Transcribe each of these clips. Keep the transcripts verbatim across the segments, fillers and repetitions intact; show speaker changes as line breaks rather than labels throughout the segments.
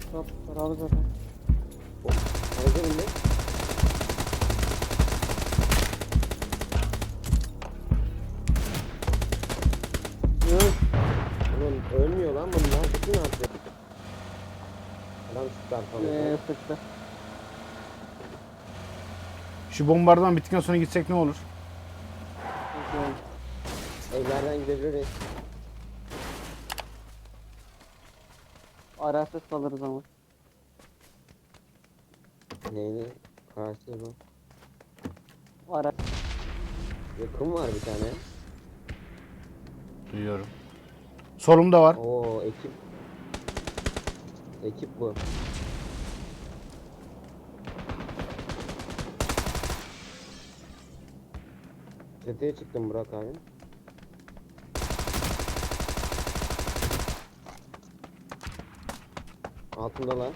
Top beraber zaten.
Aracı bindi.
Yok.
Oğlum ölmüyor lan bunlar. Bütün artık. Adam çıktı arkamda.
Eee sıktı.
Şu bombardıman bittikten sonra gitsek ne olur?
Peki.
Evlerden gidebiliriz.
Araçsız kalırız ama.
Neydi? Kararsız mı?
Araç.
Yakın var bir tane.
Duyuyorum. Solumda var.
Oo ekip. Ekip bu. Çatıya çıktım Burak abi. Altındalar.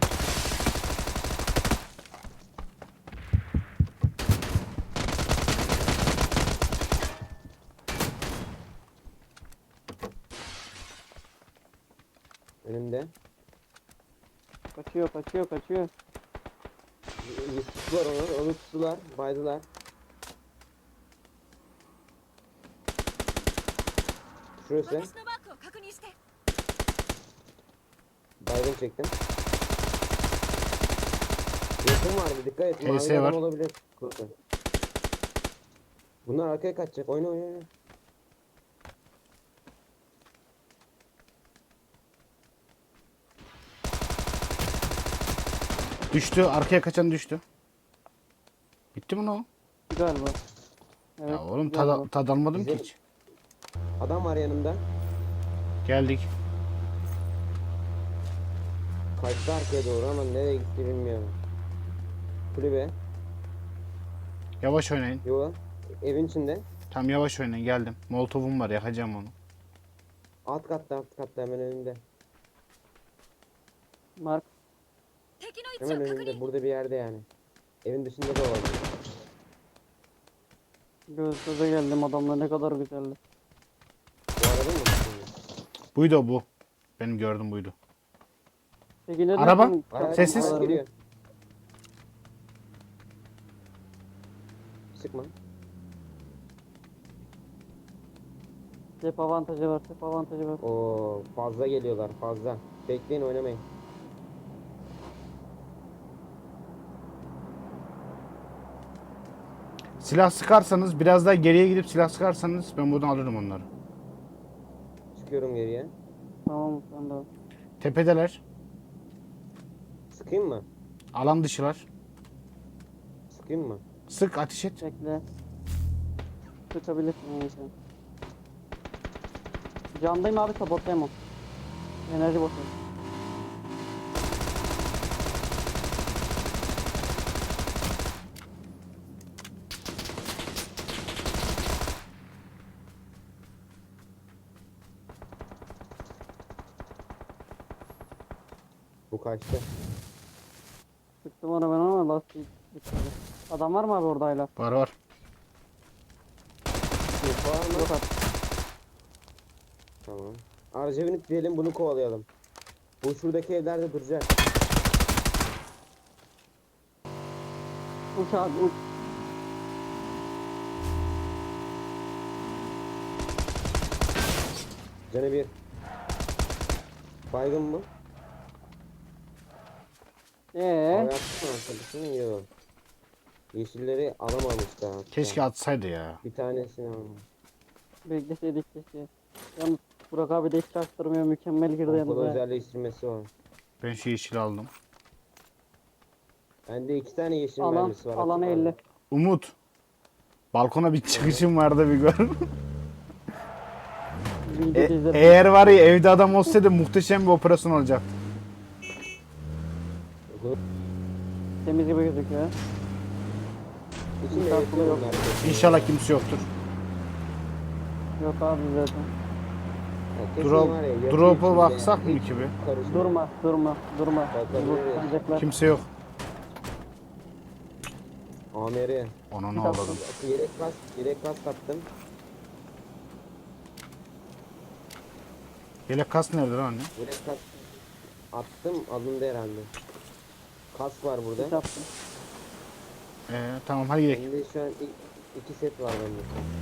Önümde.
Kaçıyor kaçıyor kaçıyor.
Bir tuttular onu, onu tuttular, baydılar. Şurası.
私のマークを確認して。
Baygın çektim. Yakın vardı, dikkat et. Mavi
T S var.
adam olabilir. Kurtun. Bunlar arkaya kaçacak. Oyna oyna oyna.
Düştü. Arkaya kaçan düştü. Bitti mi lan o?
Galiba. Evet.
Ya oğlum
galiba.
tad, tad almadım ki
Bizim-
hiç.
Adam var yanımda.
Geldik.
Kaçtı arkaya doğru ama nereye gitti bilmiyorum. Kulübe.
Yavaş oynayın.
Yo. Evin içinde.
Tam yavaş oynayın, geldim. Molotovum var, yakacağım onu.
Alt katta alt katta hemen önünde.
Mark.
敵の位置
Hemen
を確
önünde
認。
burada bir yerde yani. Evin dışında da olabilir.
Göz göze geldim adamla ne kadar güzeldi.
Bu arada mı?
Buydu o, bu. Benim gördüm buydu.
Peki ne
Araba.
diyorsun?
Araç-
Sessiz.
araç geliyor. Sıkma.
Cep avantajı var, cep avantajı var.
Oo fazla geliyorlar fazla. Bekleyin oynamayın.
Silah sıkarsanız, biraz daha geriye gidip silah sıkarsanız ben buradan alırım onları.
Çıkıyorum geriye.
Tamam sen de.
Tepedeler.
Sıkayım mı?
Alan dışılar.
Sıkayım mı?
Sık, ateş et.
Bekle. Sıkabilirsin yani sen. Candayım abi sabotlayamam. Enerji boşver.
Bu kaçtı.
Sıktım ona ben ama lastik bitmedi. Adam var mı abi orada hala?
Var var.
Bir var mı?
Yok abi.
Tamam. Araca binip diyelim bunu kovalayalım. Bu şuradaki evlerde duracak.
Uç abi uç.
Canı bir. Baygın mı?
Eee?
Havaya attı mı arkadaşını? Yok. Yeşilleri alamamış daha. hatta.
Keşke atsaydı ya.
Bir tanesini almış.
Bekleseydik keşke. Yalnız Burak abi de hiç çaktırmıyor, mükemmel girdi
Pompalı
yanımıza.
özelleştirmesi var.
Ben şu yeşili aldım.
Bende iki tane yeşil
Alan,
mermisi var.
alanı
açık
elli.
aldım.
Umut. Balkona bir çıkışım vardı, bir gör.
Video
E-
izledim.
eğer var ya evde adam olsaydı muhteşem bir operasyon olacaktı.
Temiz gibi gözüküyor.
İçinde
Sağ
yeşil
sola yok.
bunlar.
İnşallah kimse yoktur.
Yok abi zaten.
Ya kesin
Drop,
var ya, yapı
drop'a
içinde
baksak mı
hiç
ki bir?
karışmıyor.
Durma, durma, durma.
Bakalım.
Bu sancaklar.
Kimse yok.
Amiri.
Ona ne
Bir dakika.
oldu?
Yelek kas, yelek kas taktım.
Yelek kas nerede lan anne?
Yelek kas. Attım alındı herhalde. Kask var burada.
Hiç attım.
Ee, tamam hadi gidelim.
Bende şu an iki, iki set var bende.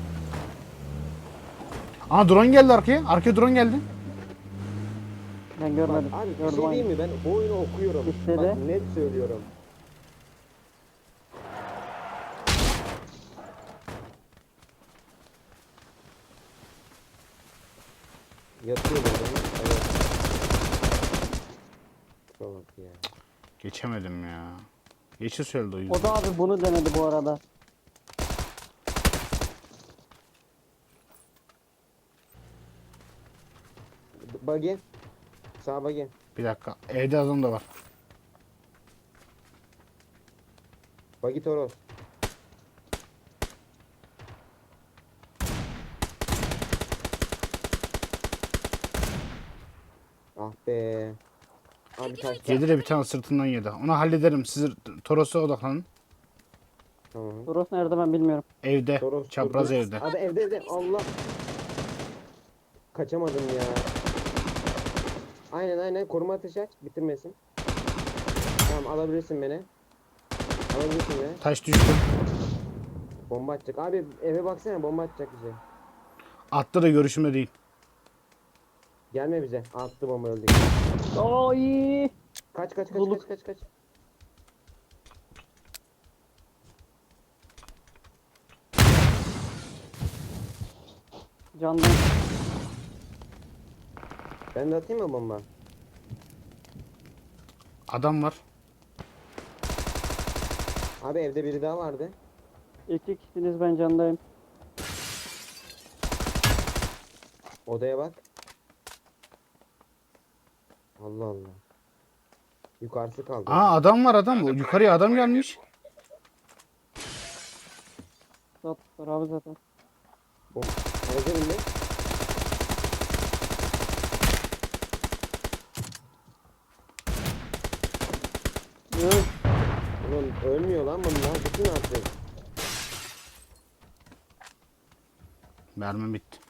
Aa drone geldi arkaya. Arkaya drone geldi.
Ben görmedim.
Bak, abi bir
Gördüm
şey
aynı.
değil mi? Ben bu oyunu okuyorum.
İşte
Bak
de.
net söylüyorum. Yatıyor burada. Evet. Bak ya.
Geçemedim ya. Geçi söyledi o yüzden.
O da abi bunu denedi bu arada.
Buggy. Sağ buggy.
Bir dakika. Evde adam da var.
Buggy Toros. Ah be. Abi taşta.
Yedi de bir tane sırtından yedi. Onu hallederim. Siz Toros'a odaklanın.
Tamam.
Toros nerede ben bilmiyorum.
Evde.
Toros
Çapraz
burada.
evde.
Abi evde evde. Allah. Kaçamadım ya. Aynen aynen. Koruma ateşi aç. Bitirmesin. Tamam alabilirsin beni. Alabilirsin beni.
Taş düştü.
Bomba atacak. Abi eve baksana bomba atacak bize.
Attı da görüşümde değil.
Gelme bize. Attı bomba öldük.
Oy!
Kaç kaç kaç
Zuluk.
kaç kaç kaç.
Candan.
Ben de atayım mı bomba?
Adam var.
Abi evde biri daha vardı.
İki kişisiniz ben candayım.
Odaya bak. Allah Allah. Yukarısı kaldı.
Aa adam var adam. Yukarıya adam gelmiş.
Sattılar abi zaten.
Bom. Aracı bindi.
Yok.
Ulan ölmüyor lan bunlar. Bütün artık.
Mermim bitti.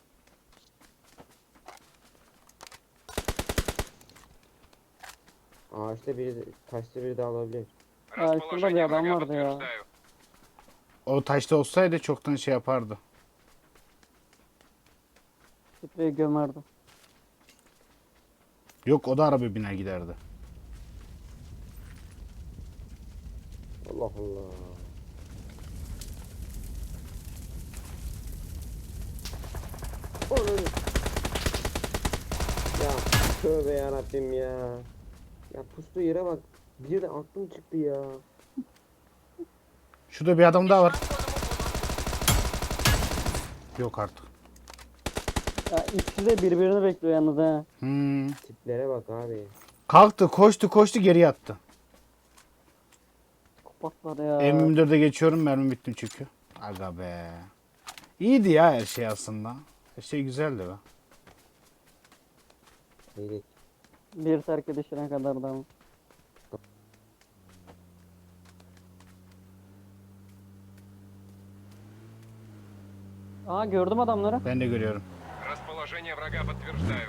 Ağaçta biri, de- taşta biri daha olabilir.
Ya şurada bir adam vardı ya.
O taşta olsaydı çoktan şey yapardı.
Spreyi gömerdim.
Yok o da araba biner giderdi.
Allah Allah. Onun. Ya tövbe yarabbim ya. Ya pustu yere bak. Bir de aklım çıktı ya.
Şurada bir adam daha var. Yok artık.
Ya ikisi de birbirini bekliyor yalnız he.
Hmm.
Tiplere bak abi.
Kalktı koştu koştu geri yattı.
Kopaklar ya.
M yirmi dörde geçiyorum mermi bittim çünkü. Aga be. İyiydi ya her şey aslında. Her şey güzeldi be.
Neydi?
Bir terk edişine kadar da ama. Aa gördüm adamları.
Ben de görüyorum.
Расположение врага подтверждаю.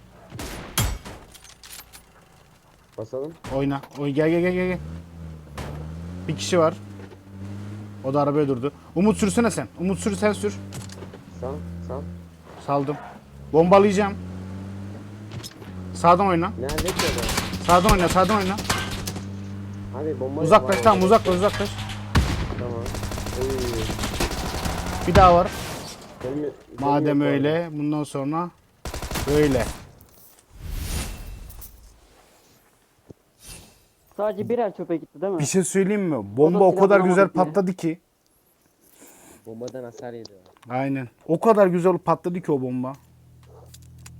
Basalım.
Oyna. Oy gel gel gel gel. Bir kişi var. O da arabaya durdu. Umut sürsene sen. Umut sür sen sür.
Sağ sağ.
Saldım. Bombalayacağım. Sağdan oyna.
Nerede ki adam?
Sağdan oyna sağdan oyna.
Abi bomba
Uzaklaş
var
tamam
orada.
uzaklaş uzaklaş.
Tamam. Oy.
Bir daha var.
Gelmiyor-
Madem
gelmiyor bu
öyle bundan sonra böyle.
Sadece birer çöpe gitti değil mi?
Bir şey söyleyeyim mi? Bomba
O da
o kadar
silahını
güzel
alamadık yine.
patladı ki.
arada. Bombadan hasar yedi o.
Aynen. O kadar güzel patladı ki o bomba.